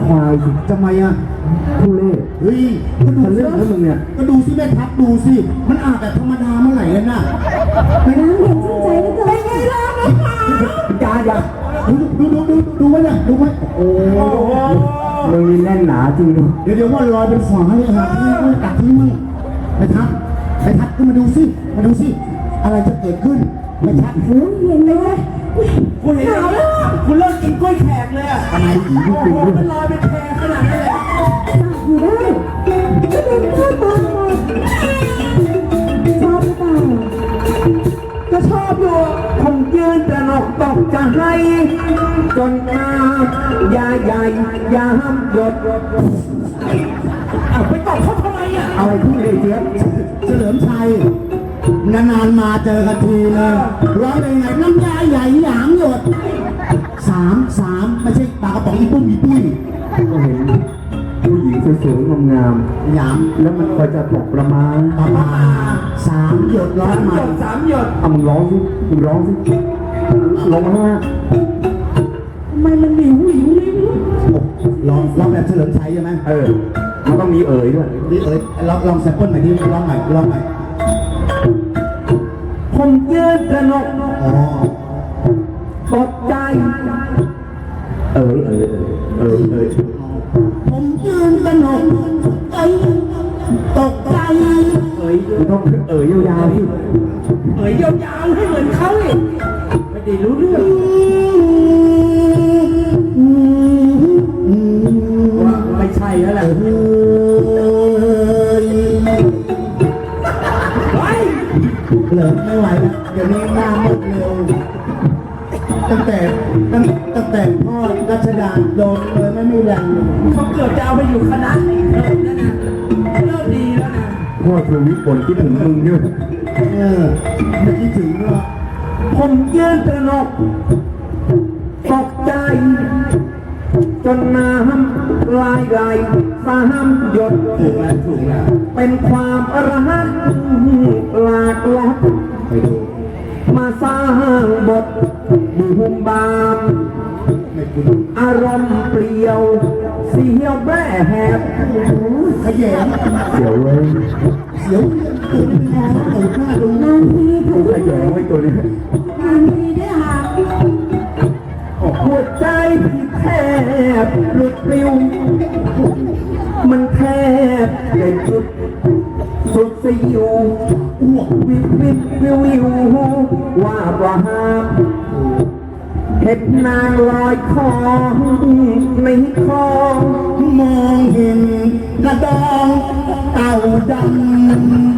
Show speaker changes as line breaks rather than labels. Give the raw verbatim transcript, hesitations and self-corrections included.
ควายทำไมอ่ะทุเล่เฮ้ยก็ดูสิแล้วมึงเนี่ยก็ดูสิแม่ทัพดูสิมันอาบแบบธรรมดาเมื่อไหร่กันน่ะ
ไปน้ำเย็นชื่นใจเหลือเกินเป็นไงล่ะนะคะ
อย่าอย่าดูดูดูดูไว้เนี่ยดูไว้โอ้มึงนี่แน่นหนาจริงเดี๋ยวเดี๋ยวว่าลอยเป็นฝาเลยครับนี่ตัดที่มึงไปทัพไปทัพขึ้นมาดูสิมาดูสิอะไรจะเกิดขึ้นไปทัพ
โอ้ยเย็นเลยเว้ย
คุณเห็นแล้วคุณเลิกกินกล้วยแขกเลยอ่ะ
ทำไมผีที่จริงด้วย
มันลอยเป็นแพขนาดนี้เลย
อยู่ได้ก็เป็นข้าวตอนมาชอบหรือเปล่า
ก็ชอบอยู่ผมยืนตระหนกตกจะให้จนมายาใหญ่ยามหยดเอาไปตบเขาทำไมอ่ะ
เอาไอ้ที่เลยเจี๊ยบเฉลิมชัยนานๆมาเจอกันทีเลยร้องเพลงไหนน้ำยาใหญ่หยามหยดสามสามไม่ใช่ปากกระป๋องอีปุ้มอีปุ้ยก็เห็นผู้หญิงสวยๆงามๆหยามแล้วมันคอยจะตกประมาณประมาณสามหยดร้องมา
สามหยด
เอามึงร้องสิมึงร้องสิลงมา
ทำไมมันหลิวหลิวเลย
ร้องร้องแบบเฉลิมชัยใช่ไหมเออมันต้องมีเอ๋ยด้วยนี่เอ๋ยลองลองแซมเปิลใหม่ดิร้องใหม่ร้องใหม่
ผมยืนตระหนกตกใจ
เอ๋ยเอ๋ยเอ๋ยเอ๋ยผมยืนตระหนกเอ๋ยตกใจเอ๋ยต้องเอ๋ยยาวๆที่
เอ๋ยยาวๆให้เหมือนเขาเลยไม่ได้รู้เรื่องว่าไม่ใช่แล้วแหละ
เหลิมไม่ไหวแล้วเดี๋ยวนี้หน้ามืดเร็วตั้งแต่ตั้งตั้งแต่พ่อรัชดาโดนเลยไม่มีแรง
เขาเกือบจะเอาไปอยู่คณะนี้เลิกแล้วนะเลิกดีแล้วนะ
พ่อทวีปนคิดถึงมึงด้วยเออไม่คิดถึงหรอก
ผมยืนตระหนกตกใจจนน้ำลายไหลสามหยด
ถูกแล้วถูกแล้ว
เป็นความอรหันต์หลากหลาย
ไปดู
มาสร้างบทบุมบามอารมณ์เปลี่ยวเสียวแบ่แหบ
ขยงเสียวเลยเสียวตัวนี้มองเปิดหน้าดู
นานที
ถูกขยงไว้ตัวนี้
นานทีได้หา
หัวใจพี่แทบหลุดปลิวมันแทบได้จุดสุดสิวอ้วกวิววิววิววิวว่าประหามเห็ดนางลอยคอในคลอง
มองเห็นกระดองเต่าดำ